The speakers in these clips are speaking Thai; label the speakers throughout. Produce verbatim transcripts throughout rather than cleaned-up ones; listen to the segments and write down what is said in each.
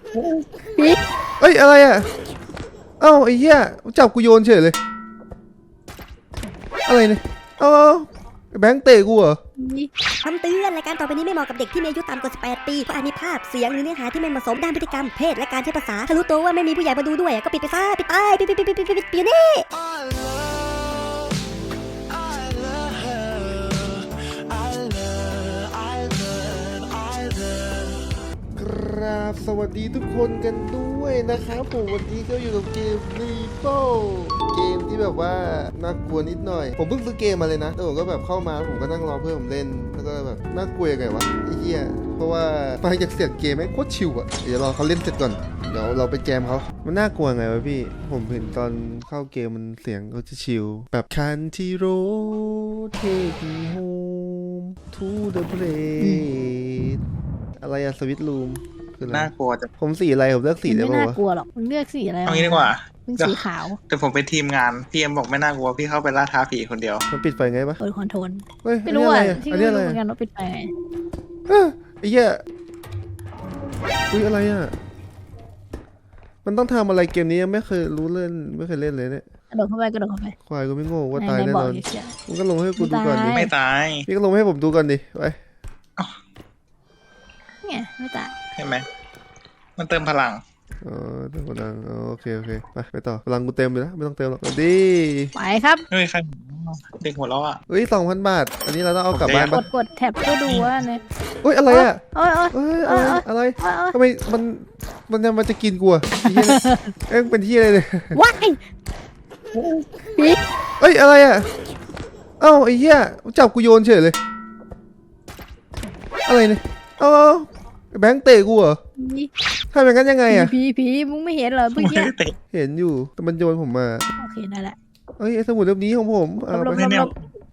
Speaker 1: เอ้ยอะไรอ่ะเอ้าไอ้เหี้ยจับกูโยนเฉยเลยอะไรเนี่ยเอ้าแบงค์เตะกูเหรอ
Speaker 2: คำเตือนรายการต่อไปนี้ไม่เหมาะกับเด็กที่มีอายุต่ำกว่าสิบแปดปีเพราะอาจมีภาพเสียงหรือเนื้อหาที่ไม่เหมาะสมด้านพฤติกรรมเพศและการใช้ภาษาถ้ารู้ตัวว่าไม่มีผู้ใหญ่มาดูด้วยก็ปิดไปซะปิดไปปิดปิดปิดปิดปิดปิดปิดนี่
Speaker 1: ครับสวัสดีทุกคนกันด้วยนะครับผมวันนี้ก็อยู่กับเกมรีโป้เกมที่แบบว่าน่ากลัวนิดหน่อยผมเพิ่งซื้อเกมมาเลยนะแต่ผมก็แบบเข้ามาผมก็นั่งรอเพื่อนผมเล่นแล้วก็แบบน่ากลัวยังไงวะไอ้เหี้ยเพราะว่าฟังจากเสียงเกมแม่งโคตรชิวอะเดี๋ยวรอเขาเล่นเสร็จก่อนเดี๋ยวเราไปแจมเขามันน่ากลัวไงวะพี่ผมเห็นตอนเข้าเกมมันเสียงเขาจะชิวแบบคันที่โรเทคีโฮมทูเดอะเพลสอะไรอะสวิตลูม
Speaker 3: น่ากลัวจะ
Speaker 1: ผมสีอะไรผมเลือกสีได้
Speaker 4: ไม่
Speaker 1: ป่าว
Speaker 4: น่ากลัวหรอกมึงเลือกสีอะไร
Speaker 3: เอางี้ดีกว่า
Speaker 4: มึงสีขาว
Speaker 3: แต่ผมเป็นทีมงานพี่เอ็มบอกไม่น่ากลัวพี่เข้าไปล่าท้าผีคนเดียว
Speaker 1: มันปิดไฟไงปะ
Speaker 4: เปิดคอนโทรล
Speaker 1: เฮ้ย
Speaker 4: ไม่รู้อ่ะที่
Speaker 1: อัน
Speaker 4: ไม่
Speaker 1: นี้อะไร
Speaker 4: รู้เหมือนกันว่าปิดไฟไง
Speaker 1: เฮ้ยไอ้เหี้ยอุ้ยอะไรอ่ะมันต้องทำอะไรเกมนี้ยังไม่เคยรู้เล่นไม่เคยเล่นเลยเนี่ย
Speaker 4: กระโดดเข้าไปกระโดดเข้าไป
Speaker 1: ควายก็ไม่โง่ว่าตาย
Speaker 4: ใน
Speaker 1: แน่
Speaker 4: บ่
Speaker 1: น
Speaker 4: อ
Speaker 1: อน
Speaker 4: อยู่เชีย
Speaker 1: มึงก็ลงให้กูดูก่อนดิ
Speaker 3: ไม่ตาย
Speaker 1: พี่ก็ลงให้ผมดูก่อนดิไป
Speaker 4: ไงไม่ตาย
Speaker 3: เห็นไหมมันเติมพลัง
Speaker 1: อ๋อเต็มพลังอ๋อโอเคโอเคไปไปต่อพลังกูเต็มเลยนะไม่ต้องเติมหรอกดี
Speaker 4: ไปครับ
Speaker 3: เฮ้ยใครเด็กหัวเราะอ่ะ
Speaker 1: เฮ้ยสองพันบาทอันนี้เราต้องเอากลับบ้าน
Speaker 4: ก
Speaker 1: ปะ
Speaker 4: ดกดแท็บเพื่อดูว่าเนี่ย
Speaker 1: เฮ้ยอะไรอ่ะ
Speaker 4: เอ้ยเอ้ย
Speaker 1: เฮ้ยอะไรอะไร
Speaker 4: เอ้ยเอ้ย
Speaker 1: ทำไมมันมันจะมันจะกินกูอ่ะไอ้เหี้ยเนี่ยเอ้ยเป็นที่อะไรเนี่ย
Speaker 4: ว้ายผี
Speaker 1: เอ้ยอะไรอ่ะเอ้าไอ้เหี้ยจับกูโยนเฉยเลยอะไรเนี่ยเอ้าแบงค์เตะกูเหรอทำอย่างนั้นยังไงอ่ะ
Speaker 4: ผีผีมึงไม่เห็นเหรอเมื่อกี้
Speaker 1: เห็นอยู่แต่มันโยนผมมา
Speaker 4: โอเคได้ละ
Speaker 1: เอ้ยไอ้สมุดเล่มนี้ของผมเอา
Speaker 4: หลบ
Speaker 1: ไป
Speaker 4: หลบหลบ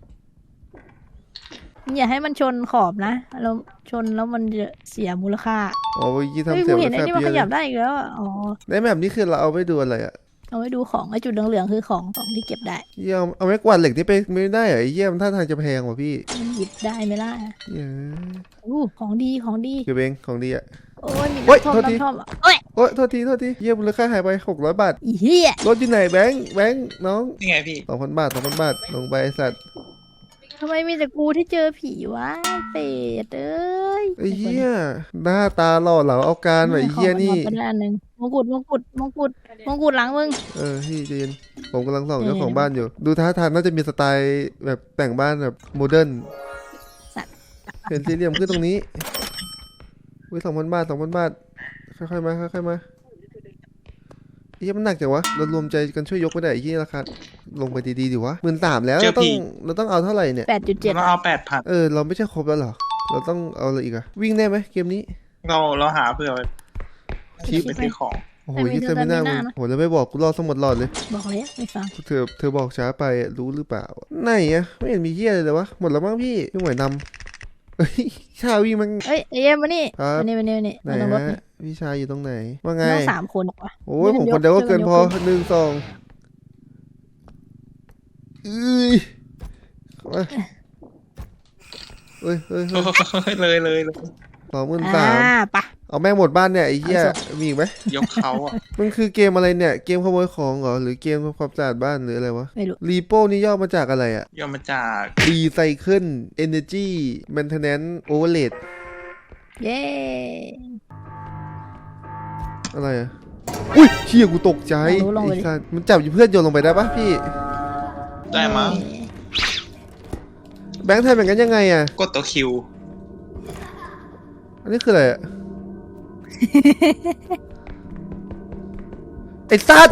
Speaker 4: อย่าให้มันชนขอบนะแล้วชนแล้วมันจะเสียมูลค่า
Speaker 1: อ๋อเมื่อกี้
Speaker 4: เฮ้ย
Speaker 1: ทำเสี
Speaker 4: กู
Speaker 1: ยง
Speaker 4: เห็นไอ้นี่มันขยับ
Speaker 1: ได้
Speaker 4: ได้อีกแล้วอะอ๋อ
Speaker 1: ในแบบนี้คือเราเอาไปดูอะไรอ่ะ
Speaker 4: เอาไว้ดูของไอ้จุดเหลืองๆคือของของที่เก็บได้
Speaker 1: เยี่ยมเอาไม้กวาดเหล็กที่ไปไม่ได้เหรอไอ้เยี่ยมท่าทางจะแพงว่ะพี่
Speaker 4: มันหยิบได้ไหมล่ะ
Speaker 1: เย้
Speaker 4: อู้ของดีของดี
Speaker 1: เก็บเองของดีอ่ะ
Speaker 4: โอ้ยมี
Speaker 1: โอ๊ย
Speaker 4: น้ำท่อม
Speaker 1: โทษที
Speaker 4: น้ำท่อมอะโอ้ย
Speaker 1: โอ๊ยโทษทีโทษทีเยี่ยมมูลค่าหายไปหกร้อยบาท
Speaker 4: อีเหี้ย
Speaker 1: รถอยู่ไหนแบงค์แบงค์น้อง
Speaker 3: นี่ไงพี่
Speaker 1: สองพันบาทสองพันบาทลงไปไอ้สัตว์
Speaker 4: ทำไมมีแต่กูที่เจอผีวะเป็ดเอ้ย
Speaker 1: ไอ้เหี้ยหน้าตาหล่อเหลาเอาการว่ะไอ้เหี้ยนี่
Speaker 4: ขอมาอันหนึ่งมงกุฎมงกุฎมงกุฎมงกุฎหลังมึง
Speaker 1: เออพี่เจนผมกำลังส่อง
Speaker 4: เออ
Speaker 1: เจ้าของบ้านอยู่ ดูท่าทางน่าจะมีสไตล์แบบแต่งบ้านแบบโมเดิร์น
Speaker 4: สัตว์
Speaker 1: เห็นสี่เหลี่ยมขึ้นตรงนี้อุ้ยสองพันบาทสองพันบาทค่อยๆมาค่อยๆมาไอ้เหี้ยมันหนักจังวะเรารวมใจกันช่วยยกไม่ได้ไอ้เหี้ยราคาลงไปดีๆดิวะหมื่นสามแล้วเราต้องเราต้องเอาเท่าไหร่เนี่ย
Speaker 4: แปดจุดเจ็ด
Speaker 3: เราเอาแปดพัน
Speaker 1: เออเราไม่ใช่ครบแล้วเหรอเราต้องเอาอะไรอีกอะวิ่งได้ไหมเกมนี้
Speaker 3: เราเราหาเพื่อไปไปซื้อของ
Speaker 1: โอ้โหยี่เซมิน่ามึงโหแล้วไม่บอกกูรอสมุดหลอดเลย
Speaker 4: บอกเลยไม่ฟัง
Speaker 1: เธอเธอบอกช้าไปอะรู้หรือเปล่าไหนอะไม่เห็นมีเหี้ยเลยเลยวะหมดแล้วมั้งพี่พี่หมวยนำเฮ้ยชาวีมัน
Speaker 4: เอ้ยเอ็มมานี่
Speaker 1: ครับ
Speaker 4: มานี่มานี่มานี่
Speaker 1: ไหน
Speaker 4: มาตรงรถ
Speaker 1: ฮะ
Speaker 4: นี่
Speaker 1: พี่ชายอยู่ตรงไหนว่าไง
Speaker 4: ต้องสามคนวะ
Speaker 1: โอ้ยผมคนเดียวก็เกินพอหนึ่งสองเอ้ยมาเฮ้ยเฮ้ยเฮ้ย
Speaker 3: เลยเลยเลย
Speaker 1: สองหมื่น
Speaker 4: อ่
Speaker 1: สาม
Speaker 4: าปะ
Speaker 1: เอาแม่งหมดบ้านเนี่ยไอ้เหี้ยมีอีกไหม
Speaker 3: ยกเขาอ่ะ
Speaker 1: มันคือเกมอะไรเนี่ยเกมขโมยของเหรอหรือเกมทำความสะอาดบ้านหรืออะไรวะ
Speaker 4: ไม่รู้
Speaker 1: รีโป้นี่ย่อมาจากอะไรอะ
Speaker 3: ย่อมาจาก
Speaker 1: Recycle Energy Maintenance Overload
Speaker 4: เย้
Speaker 1: อะไรอะอุ้ยเชี่ยกูตกใจไอ้สัสมันจับอยู่เพื่อนโยนลงไปได้ปะพี่
Speaker 3: ได้มั้ง
Speaker 1: แบงค์ไทยเป็นกันยังไงอะ
Speaker 3: กดตัวคิว
Speaker 1: อันนี้คืออะไรอะ ไอ้สัส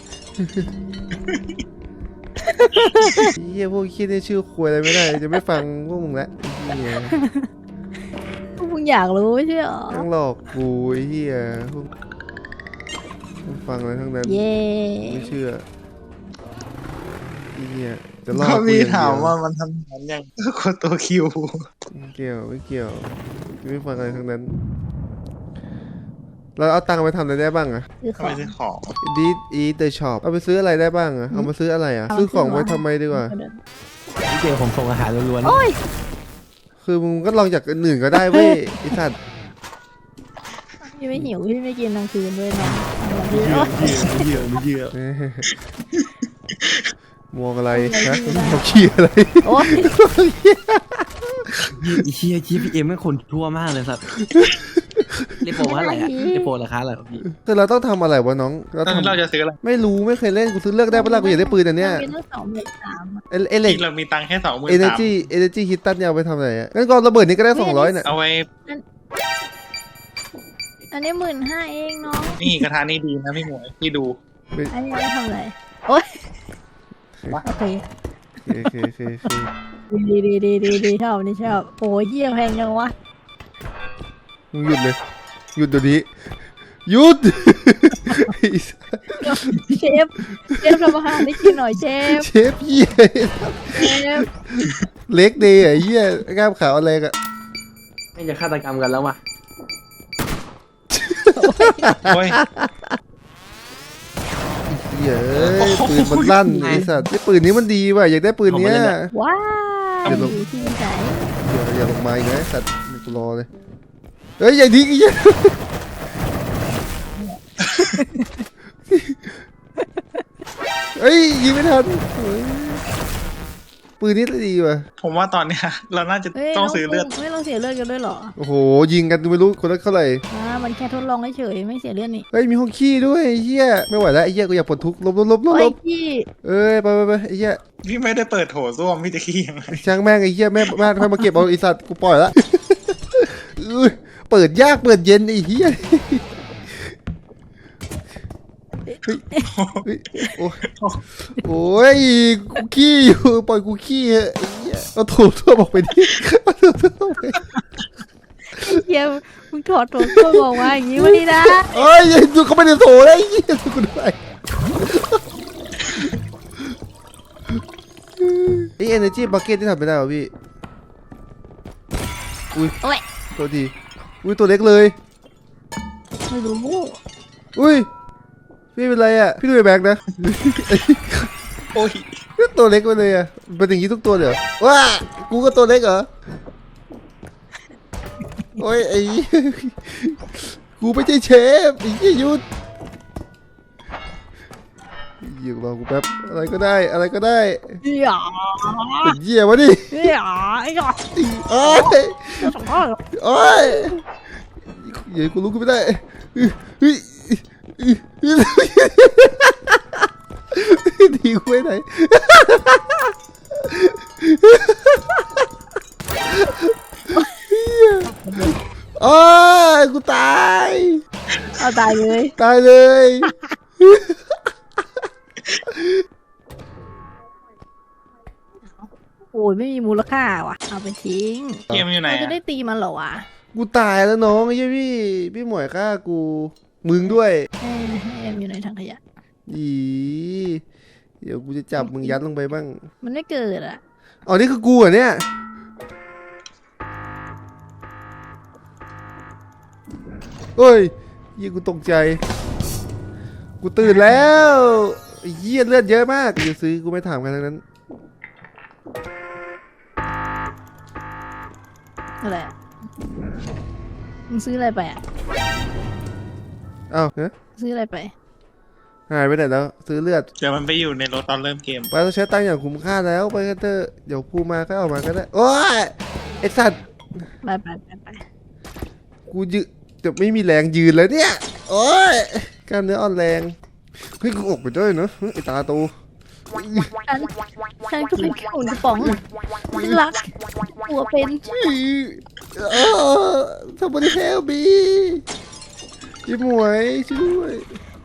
Speaker 1: เฮียพวกคิดในชื่อควยอะไรไม่ได้จะไม่ฟังพวกมึงละเฮีย
Speaker 4: พวกมึงอยากรู้ไม่ใช่หรอ
Speaker 1: ต้องหลอกกูไอ้เฮียพวกไม่ฟังอะไรทั้งนั้น
Speaker 4: เย้
Speaker 1: ไม่เชื่อไอ้เฮียจะล่อ
Speaker 3: ก็
Speaker 1: กู
Speaker 3: มี
Speaker 1: อย่างเดี
Speaker 3: ถาม
Speaker 1: ยว
Speaker 3: ว่ามันทำงานยังกดตัวคิว
Speaker 1: ไม่เกี่ยวไม่เกี่ยวไม่ฟังอะไรทั้งนั้น เราเอาตังค์ไปทำอะไรได้บ้างอะ
Speaker 4: คือขอ
Speaker 3: ไม่
Speaker 4: ง
Speaker 3: ใช่ของ
Speaker 1: ดีดอีเดอะช็อปเอาไปซื้ออะไรได้บ้างอะเอามาซื้ออะไรอะซื้อของไว้ทำไมดีกว่า
Speaker 5: เกมผมส่งอาหารล้วน
Speaker 4: โอ้ย
Speaker 1: คือมึงก็ลองจากอื่นก็ได้เว้ยไอ้สัตว์
Speaker 4: ยพี่ไม่หิวพี่ไม่กินกลางคืนด้วยนะ
Speaker 5: ไม่เชื่อไม่เชื่อ
Speaker 1: มองอะไรนะมองขี้อะไร
Speaker 4: โอ๊ย
Speaker 5: ไอ้เชี่ยชี้พี่เอ็มไม่คนทั่วมากเลยสัตว์เลโปว่าอะไรอะเลโปราคาอะไรพี่
Speaker 1: คือเราต้องทำอะไรวะน้องเรา
Speaker 3: ตอนนี้
Speaker 1: ทำ
Speaker 3: เราจะซื้ออะไร
Speaker 1: ไม่รู้ไม่เคยเล่นกูซื้อเลือกได้ปะล่ะกูอยากได้ปืนอันเนี้ย
Speaker 4: มีตั้งสองหมื่นสามอะ
Speaker 1: เอเอเล็ก
Speaker 3: ที่เรามีตังค์แค่สองหมื่น
Speaker 1: เอเน
Speaker 3: สาม
Speaker 1: จีเอเนจีฮิตตันเนี่ยเอาไปทำอะไรอ่ะงั้นก็ระเบิดนี้ก็ได้สองร้อยเนี่ย
Speaker 3: เอาไว้
Speaker 4: อันนี้หมื่นห้าเองน้อง
Speaker 3: นี่กระทะนี่ดีนะพี่หมวยพี่ดู
Speaker 4: อันนี้เอาไปทำอะไรโอ๊ยโอเค
Speaker 1: โอเคโอเคโอเค
Speaker 4: ดีดีดีดีดีชอบนี่ชอบโอ้ยเยี่ยแพงจังวะ
Speaker 1: มึงหยุดเลยหยุดเดี๋ยวนี้หยุด
Speaker 4: เชฟเชฟทำอาหารให้กินหน่อยเชฟ
Speaker 1: เชฟเหี้ย
Speaker 4: เชฟ
Speaker 1: เล็กเดย์ไอ้เหี้ยกล้ามขาวอะไรกอะ
Speaker 5: ไม่จะฆาตกรรมกันแล้ววะ
Speaker 3: โอ้ย
Speaker 1: เหี้ยเอ้ยปืนมันลั่นไอ้สัตว์ไอ้ปืนนี้มันดีว่ะอยากได้ปืนเนี้ย
Speaker 4: ว้าว
Speaker 1: เดี๋ยวลง
Speaker 4: อยู่ที่ไหน
Speaker 1: อย่าอย่าลงมาอีกนะไอ้สัตว์กูรอเลยเฮ้ยอย่าทิ้งไอ้เหี้ยเฮ้ยยิงไม่ทันเฮ้ยปืนนี้ดีว่ะ
Speaker 3: ผมว่าตอนเนี้ยเราน่าจะ
Speaker 4: เฮ้ย
Speaker 3: ต้องซื้อเลือด
Speaker 4: ไม่ต้องเสียเลือดกันด้วยเหรอ
Speaker 1: โอ้โหยิงกันไม่รู้คนละเท่าไหร่
Speaker 4: อ่ามันแค่ทดลองเฉยๆไม่เสียเลือดนี่
Speaker 1: เฮ้ยมีห้องขี้ด้วยไอ้เหี้ยไม่ไหวแล้วไอ้เหี้ยกูอยากปลดทุกข์ลบลบลบลบ
Speaker 4: โอ้
Speaker 1: ล
Speaker 4: ย
Speaker 1: บ
Speaker 4: พี่
Speaker 1: เอ้ยไปไปไปไอ้เหี้ย
Speaker 3: พี่ไม่ได้เปิดโถส้วมพี่จะขี้ยังไง
Speaker 1: ช่างแม่งไอ้เหี้ยแม่แม่แม่มาเก็บเอาไอ้สัตว์กูปล่อยละอุ้ยเปิดยากเปิดเย็นไอ้เหี้ยเฮ้ยเฮ้ยโอ้ยโอ้ยกูขี้อยู่ปล่อยกูขี้เถอะไอ้เหี้ยเอาโถส้วมออกไปดิเอาโถส้วมออกไป
Speaker 4: เฮียมึงถอดตัวตัวบอกว่าอย่างนี้ไม่ได้นะ
Speaker 1: เอ้ยดูเขาไม่ได้โถเลยไอ้เหี้ยดูกูด้วยไอ้ energy bucket ที่ทำไม่ได้เหรอพี่อุ้ย
Speaker 4: โอ้ย
Speaker 1: ตัวดีอุ้ยตัวเล็กเลย
Speaker 4: ไม่รู้
Speaker 1: อุ้ยพี่เป็นไรอ่ะพี่ดูไอ้แบงค์นะ
Speaker 3: โอ้ย
Speaker 1: ตัวเล็กไปเลยอ่ะเป็นอย่างนี้ทุกตัวเลยเหรอว้ากูก็ตัวเล็กเหรอโอ้ยไอ้ กูไม่ใช่เชฟไอ้ยี่ยุดยิงรอกูแป๊บอะไรก็ได้อะไรก็ได้
Speaker 4: เฮีย
Speaker 1: เป็นเหี้ยวะดิ
Speaker 4: เฮียไอ้หยอก
Speaker 1: โอ้ยโอ้ยเดี๋ยวกูลุกขึ้นไม่ได้เฮ้ยดีกูไปไหนโอ้ยกูตาย
Speaker 4: เอาตายเลย
Speaker 1: ตายเลย
Speaker 4: โอ้ยไม่มีมูลค่าว่ะเอาไปทิ้ง
Speaker 3: เกมอยู่ไหน
Speaker 4: เราจะ
Speaker 3: อะ
Speaker 4: ได้ตีมันเหรอวะ
Speaker 1: กูตายแล้วน้องไอ้เหี้ยพี่พี่หมวยฆ่ากูมึงด้วย
Speaker 4: เอ้ยเอ็มอยู่ในถังขยะ
Speaker 1: อีเดี๋ยวกูจะจับมึงยัดลงไปบ้าง
Speaker 4: มันไม่เกิดอ่ะ
Speaker 1: อ๋อนี่คือกูเหรอเนี่ยเฮ้ยยี่กูตกใจ กูตื่นแล้วไอ้เหี้ยเลือดเยอะมากกูจะซื้อกูไม่ถามกันทั้งนั้น
Speaker 4: อะไรอะมึงซื้ออะไรไปอ่ะ
Speaker 1: อ้าวฮะ
Speaker 4: ซื้ออะไรไป
Speaker 1: หายไปไหนแล้วซื้อเลือด
Speaker 3: เดี๋ยวมันไปอยู่ในรถตอนเริ่มเกม
Speaker 1: ไปต้องใช้ตังค์อย่างคุ้มค่าแล้วไปกันเถอะเดี๋ยวกูมาก็เอามาก็ได้โอ้ยไอสัตว์
Speaker 4: ไปไปไปไป
Speaker 1: กูยืจะไม่มีแรงยืนแล้วเนี่ยโอ้ยกล้ามเนื้ออ่อนแรงเฮ้ยกูออกไปด้วยเนอะไอตาโต
Speaker 4: ฉันฉันก็เป็นแค่หุ่นกระป๋องรักหัวเป็น
Speaker 1: เออทำไมแฮลบีพี่หมวยช่วยด้วย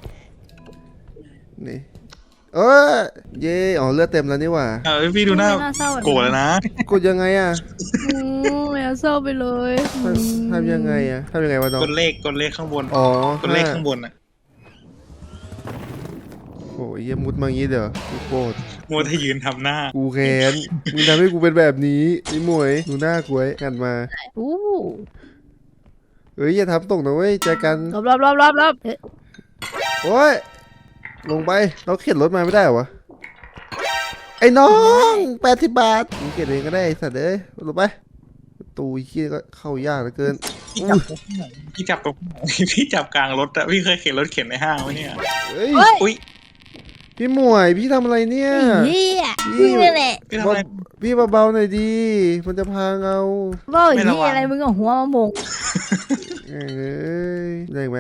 Speaker 1: นี่เออเย่อ๋อเลือดเต็มแล้วนี่หว่า
Speaker 3: เออพี่ดูหน้า
Speaker 4: ไม่น่าเศร้าแบบ
Speaker 3: โกรธแล้วนะ
Speaker 1: กดยังไงอ่ะ
Speaker 4: อืมไม่น่าเศร้าไปเลย
Speaker 1: ทำทำยังไงอ่ะทำยังไงวะน้อง
Speaker 3: กดเลขกดเลขข้างบน
Speaker 1: อ๋อก
Speaker 3: ดเลขข้างบนอ่ะ
Speaker 1: โอ้ยเหี้ยมุดมาอย่างงี้เดี๋ยวกูโกรธ
Speaker 3: มัวแต่ยืนทำหน้า
Speaker 1: กูแค้นมึงทำให้กูเป็นแบบนี้ไอ้หมวยดูหน้ากูไว้กันมา
Speaker 4: อู้
Speaker 1: เฮ้ยอย่าทำตกนะเว้ยเจอกัน
Speaker 4: รอบรอบรอบรอบรอบเอ๊ะ
Speaker 1: โอ้ยลงไปเราเข็นรถมาไม่ได้เหรอวะไอ้น้องแปดสิบบาทมึงเข็นเองก็ได้ไอ้สัตว์เอ้ยลงไปตูไอ้เหี้ยก็เข้ายากเหลือเกิน
Speaker 3: พี่จับตรงไหนพี่จับกลางรถอะพี่เคยเข็นรถเข็นในห้างไหมเนี่ย
Speaker 1: เฮ้ย
Speaker 4: เฮ้ย
Speaker 3: อุ้ย
Speaker 1: พี่หมวยพี่ทำอะไรเนี่ย
Speaker 4: เฮียมึงนี่แหละ
Speaker 3: พี่ทำอะไร
Speaker 1: พี่เบาๆหน่อยดีมันจะพังเอา
Speaker 4: ว่า
Speaker 3: ไม่
Speaker 4: เฮี
Speaker 3: ระวั
Speaker 4: ย
Speaker 3: ง
Speaker 4: อะไรมึงเอาหัวมาโมง
Speaker 1: เอ้ยได้อีกไหม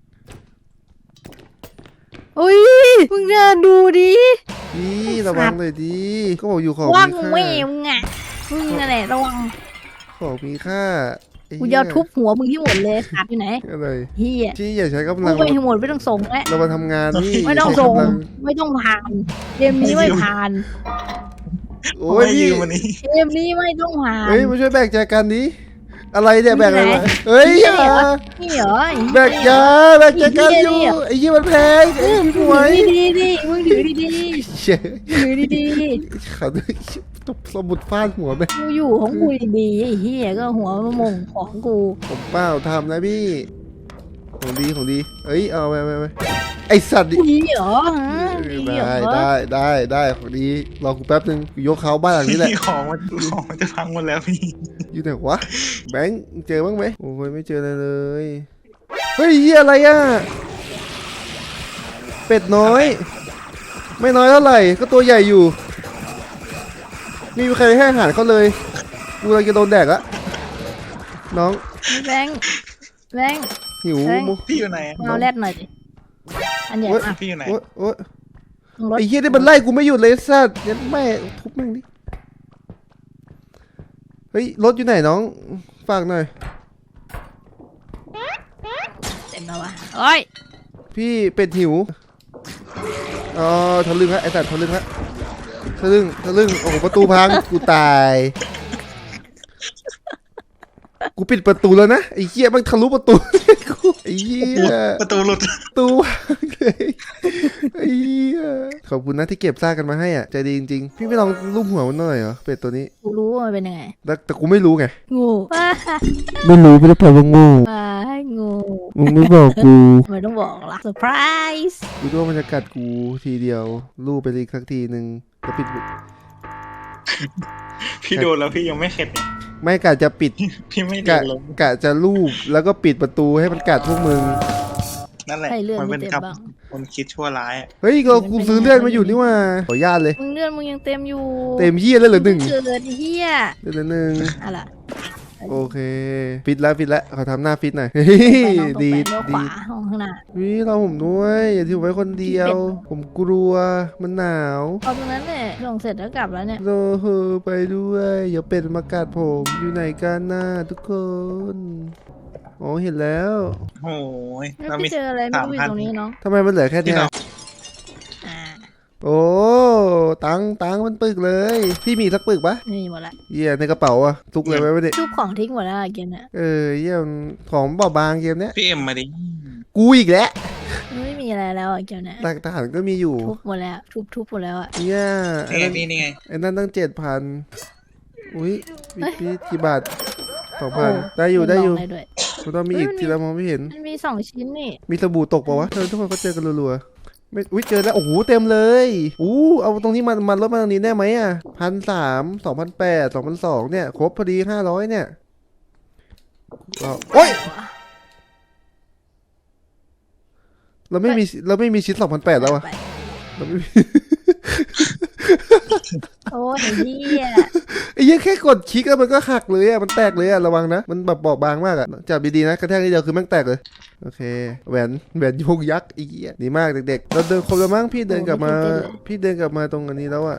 Speaker 4: อุ้ยมึงเดินดูดิ
Speaker 1: พี่ระวังหน่อยดีก็บอกอยู่ของ
Speaker 4: ว่าง
Speaker 1: มีค่า
Speaker 4: แม่มึงอ่ะมึงนั่นแหละระวัง
Speaker 1: ของมีค่าไอ้
Speaker 4: กู
Speaker 1: เหี้ย
Speaker 4: จะทุบหัวมึงที่หมดเลยขาดอยู่ไหน
Speaker 1: อะไร
Speaker 4: เฮีย
Speaker 1: พี่อย่าใช้กำ
Speaker 4: มึ
Speaker 1: ลั
Speaker 4: ง
Speaker 1: ง
Speaker 4: ไปให้หมดไม่ต้องส่งแล้ว
Speaker 1: เรามาทำงานนี่
Speaker 4: ไม่ต้อง
Speaker 1: ใช้
Speaker 4: ส่ง
Speaker 1: กำลั
Speaker 4: ไม่ต้องผ่านเกมนี้ไม่ผ่าน
Speaker 1: โอ้ย
Speaker 3: ไม่
Speaker 1: พี่
Speaker 3: ยืมวันนี้
Speaker 4: เกมนี้ไม่ต้องผ่าน
Speaker 1: เฮ้ยมาช่วยแบกแจกันนี้อะไรเนี่ยแบกอะไร
Speaker 4: มีไหน
Speaker 1: วะเฮ้ยอย่า
Speaker 4: นี่เหรอ
Speaker 1: แบกยาแบกแจกันอยู่ไอ้ยี่มันแพงไอ้
Speaker 4: มึง
Speaker 1: พี่ห
Speaker 4: ถื
Speaker 1: มว
Speaker 4: อย ดีๆดิมึงถือดี
Speaker 1: เชี่ย
Speaker 4: ๆถือดี
Speaker 1: เขาตบสมุดฟาดหัวไป
Speaker 4: ๆกูอยู่ของกูดีๆไอ้เฮียก็หัวมามงของกู
Speaker 1: ผมเปล่าทำนะพี่ของดีของดีเอ้ยเอาไปไปไปไอสัตว์ดิ
Speaker 4: ดีเหรอฮะดีเหร
Speaker 1: ได้
Speaker 4: อ
Speaker 1: ได้ได้ได้ของดีรอกูแป๊บนึงกูยกเขาบ้านหลังนี้แหละ
Speaker 3: พี่ของมันของมันจะพังหมดแล้วพี่
Speaker 1: อยู่ไหนวะแบงค์เจอบ้างไหมโอ้ยไม่เจออะไรเลยเฮ้ยเหี้ยอะไรอ่ะเป็ดน้อย ไม่น้อยเท่าไหร่ก็ตัวใหญ่อยู่นี่มีใครให้อาหารเขาเลยกูกำลังจะโดนแดกละน้อง
Speaker 4: แบงค์แบงค์
Speaker 1: หิว
Speaker 4: แบงค์
Speaker 1: มุ
Speaker 3: พี่อยู่ไหนอะ
Speaker 4: เอาแรดหน่อยดิอันใหญ่มาก
Speaker 3: พี่อยู่ไหน
Speaker 1: โอ๊ยโอ๊ย
Speaker 4: รถ
Speaker 1: ไอ้เหี้ยนี่มันไล่กูไม่หยุดเลยสัตว์ยันแม่ทุบแม่งดิเฮ้ยรถอยู่ไหนน้องฝากหน่อย
Speaker 4: เต็มแล้ววะโอ้ย
Speaker 1: พี่เป็ดหิวอ๋อทะลึ่งฮะไอ้สัตว์ทะลึ่งฮะทะลึ่งทะลึ่งโอ้โหประตูพังกูตายกูปิดประตูแล้วนะไอ้เหี้ยมันทะลุประตูกูไอ้เหี้ย
Speaker 3: ประตูหลุด
Speaker 1: ประตูพังเลยไอ้เหี้ยขอบคุณนะที่เก็บซากกันมาให้อ่ะใจดีจริงๆพี่ไม่ลองลูบหัวมันหน่อยเหรอเป็ดตัวนี้
Speaker 4: กูรู้ว่ามันเป็นยังไง
Speaker 1: แต่แต่กูไม่รู้ไง
Speaker 4: งูว้า
Speaker 1: ไม่รู้ไม่ได้แปลว่างู
Speaker 4: ว้างู
Speaker 1: มึงไม่บอกกู
Speaker 4: ทำไมต้องบอกล่ะเซอร์ไพรส์
Speaker 1: กูรู้ว่ามันจะกัดกูทีเดียวลูบไปอีกสักทีหนึ่งก็ปิด
Speaker 3: พี่โดนแล้วพี่ยังไม่เข็ดเนี่ย
Speaker 1: ไม่กะจะปิด
Speaker 3: พี่ไม่โด
Speaker 1: กะ
Speaker 3: นลง
Speaker 1: กะจะลูบแล้วก็ปิดประตูให้มันกัดพวกมึง
Speaker 3: นั่นแหละ
Speaker 4: ใครเลื่อน
Speaker 3: มัน
Speaker 4: ไม่
Speaker 3: เป็น
Speaker 4: เต็ม
Speaker 3: กับ
Speaker 4: บ้าง
Speaker 3: คนคิดชั่วร้ายอะ
Speaker 1: เฮ้ยเรากูซื้อเลื่อนมาอยู่นี่ว่าขออนุญาตเลย
Speaker 4: มึงเลื่อนมึงยังเต็มอยู่
Speaker 1: เต็มเหี้ยเลยเหรอหนึ่ง
Speaker 4: เกิดเฮีย
Speaker 1: เดือนละหนึ่ง
Speaker 4: อะไร
Speaker 1: โอเคฟิตแล้วฟิตแล้วขอทำหน้าฟิตหน่อยเฮ้ย
Speaker 4: ไปน้องตรง
Speaker 1: ดี
Speaker 4: ไปเลี้ยวข
Speaker 1: ดี
Speaker 4: วาห้องข้างหน้า
Speaker 1: วิเราผมด้วยอย่าทิ้งไว้คนเดียว ผมกลัวมันหนาว
Speaker 4: เอาตรงนั้นเนี่ยลงเสร็จแล้วกลับแล้วเนี่ย
Speaker 1: โลโหไปด้วยอย่าเป็ดมากัดผมอยู่ไหนกันน่ะทุกคนอ๋อเห็นแล้ว
Speaker 3: โอ้ย
Speaker 4: ไม่
Speaker 3: เรามี
Speaker 4: พี่เจออะไรไม่รู้อยู่ตรงนี้น้อง
Speaker 1: ทำไมมันเหลือแค่
Speaker 3: ที่
Speaker 1: เนี้ย
Speaker 3: เรา
Speaker 4: อ่า
Speaker 1: โอ้ตังตังมันปึกเลย พี่มีสักปึกปะ
Speaker 4: นี่หมดละ
Speaker 1: เยี่ยในกระเป๋าอะทุกเลยไว้ไม่ได้
Speaker 4: ทุบของทิ้งหมดแล้วอะเกมเนี่ย
Speaker 1: เออเยี่ยมของเบาบางเกมเนี้ย
Speaker 3: พี่เอ็มมาดิ
Speaker 1: กูอีกแล้ว
Speaker 4: ไม่มีอะไรแล้วอะเกมเนี่ย
Speaker 1: หลักฐานก็มีอยู่
Speaker 4: ทุบหมดแล้วทุบทุบหมดแล้วอะ
Speaker 1: เนี่ยไอ้
Speaker 3: นี่ไง
Speaker 1: นั่น
Speaker 3: พี่นี่ไง
Speaker 1: ไอ้นั่นตั้งเจ็ดพันอุ้ยพี่พี่กี่บาทสองพันได้อยู่ได้อยู่
Speaker 4: ลงด้วย
Speaker 1: กูต้องมีอีกทีละมองไม่เห็น
Speaker 4: มันมีสองชิ้นนี่
Speaker 1: มีสบู่ตกเปล่าวะเออทุกคนก็เจอกันรัวๆไม่อุ้ยเจอแล้วโอ้โหเต็มเลยอู้เอาตรงนี้มามันลดมาตรงนี้ได้ไหมอ่ะพันสามสองพันแปดสองพันสองเนี่ยครบพอดีห้าร้อยเนี่ยเอาโอ้ยเราไม่มีเราไม่มีชิ้นสองพันแปดแล้วอะเราไม่มี
Speaker 4: โอ้ยไอ้เหี้ย
Speaker 1: ไอ้เหี้ยังแค่กดคลิกแล้วมันก็หักเลยอะมันแตกเลยอะระวังนะมันแบบบอบบางมากอะจับดีๆนะกระแทกนิดเดียวคือแม่งแตกเลยโอเคแหวนแหวนโยกยักษ์อีกอ่ะดีมากเด็กๆเราเดินครบแล้วมั้งพี่เดินกลับมา พี่เดินกลับมาตรงอันนี้แล้วอะ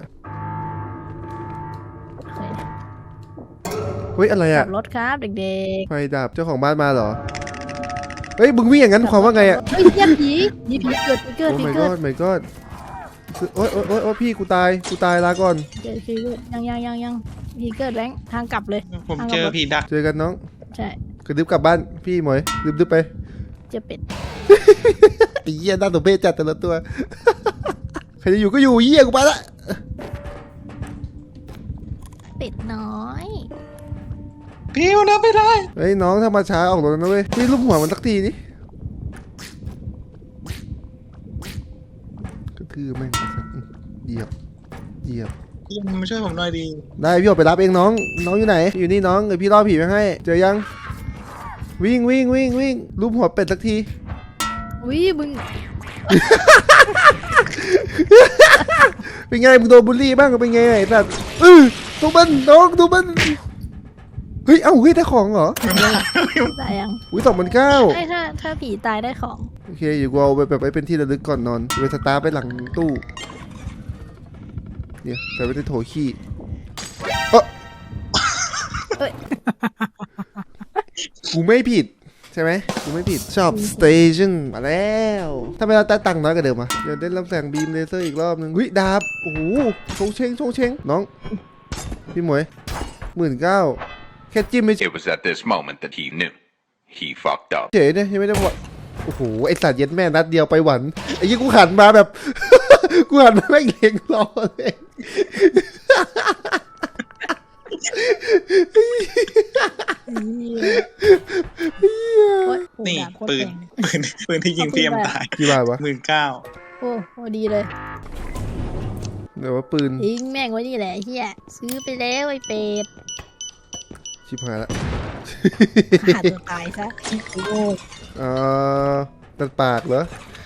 Speaker 1: เฮ้ยอะไร
Speaker 4: ขั
Speaker 1: อะ
Speaker 4: บรถครับเด็ก
Speaker 1: ไฟดับเจ้าของบ้านมาเหรอเฮ้ยมึงวิ่งอย่างนั้น
Speaker 4: ๆ
Speaker 1: ความว่าไงอะ
Speaker 4: เฮ้ยเหี้ยผีผีผีเกิดผีเกิด
Speaker 1: โอ้
Speaker 4: ผี
Speaker 1: my
Speaker 4: เกิด
Speaker 1: god my god โอ๊ยโอ๊ยโอ๊ยโอ๊ยพี่กูตายกูตายลาก่อน
Speaker 4: เกิดผีเกิดยังยังยังยังผีเกิดแรงทางกลับเลย
Speaker 3: ผมเจอผีดัก
Speaker 1: เจอกันน้อง
Speaker 4: ใช่
Speaker 1: กระดึบกลับบ้านพี่หมวยดึบดึบไป
Speaker 4: เจอเป็ด
Speaker 1: ไอ้เหี้ยน่าตัวเบ้จัดแต่ละตัว ใครจะอยู่ก็อยู่เหี้ยกูไปละ
Speaker 4: เป็ดน้อย
Speaker 3: พี่มันนับไม่ได้
Speaker 1: เฮ้ยน้องถ้ามาช้าออกรถแล้วนะเว้ยพี่ลูบหัวมันสักทีนี่ก็คือแม่งเหยียบเหยียบ
Speaker 3: พี่มาช่วยผมหน่อยดี
Speaker 1: ได้พี่ออกไปรับเองน้อง น้องอยู่ไหน อยู่นี่น้องเดี๋ยวพี่ล่อผีไปให้ เจอยัง วิ่งวิ่งวิ่งวิ่งรูปหัวเป็ดสักที
Speaker 4: อุ้ยมึง
Speaker 1: เป็นไงมึงโดนบูลลี่บ้างเป็นไงไอ้สัตว์เออดูมันน้องดูมันเฮ้ยเอ้าเฮ้ยได้ของเหรอ
Speaker 4: ตายยัง
Speaker 1: อุ้ยสองพันเก้า
Speaker 4: ไอ้ถ้าถ้าผีตายได้ของ
Speaker 1: โอเคอยู่กูเอาไปแบบไว้เป็นที่ระลึกก่อนนอนไปสตาร์ทไปหลังตู้เนี่ยใส่ไว้ในโถขี้เออ
Speaker 4: เอ้ย
Speaker 1: กูไม่ผิดใช่ไหมกูไม่ผิดชอบสเตชันมาแล้วทำไมเราได้ตังค์น้อยกว่าเดิมอ่ะเดี๋ยวได้รับแสงบีมเลเซอร์อีกรอบนึงเฮ้ยดาบโอ้โหชงเชงชงเชงน้องพี่หมวยหมื่นเก้าแค่จิ้มไม่
Speaker 6: It was at this moment that he knew. He fucked up.
Speaker 1: เฉยเนี่ยยังไม่ได้บอกโอ้โหไอสัตว์เย็ดแม่นัดเดียวไปหวันไอ้ยี่กูหันมาแบบ กูหันมาแม่งเล็งรอเลย
Speaker 4: โอ๊ยโห
Speaker 3: นี่
Speaker 4: ดาบโคตร
Speaker 3: ปืน
Speaker 4: แพง
Speaker 3: ปืนปืนที่ยิงพี่เอ็มตาย
Speaker 1: กี่บาทวะ
Speaker 3: หมื่นเก้า
Speaker 4: โอ้โหดีเลย
Speaker 1: เดี๋ยวว่าปืน
Speaker 4: ทิ้งแม่งไว้นี่แหละเฮียซื้อไปแล้วไอ้เป็ด
Speaker 1: ชิบหายละ
Speaker 4: ขาดตัวตายซะโอ้
Speaker 1: เอ่อตัดปากเหรอ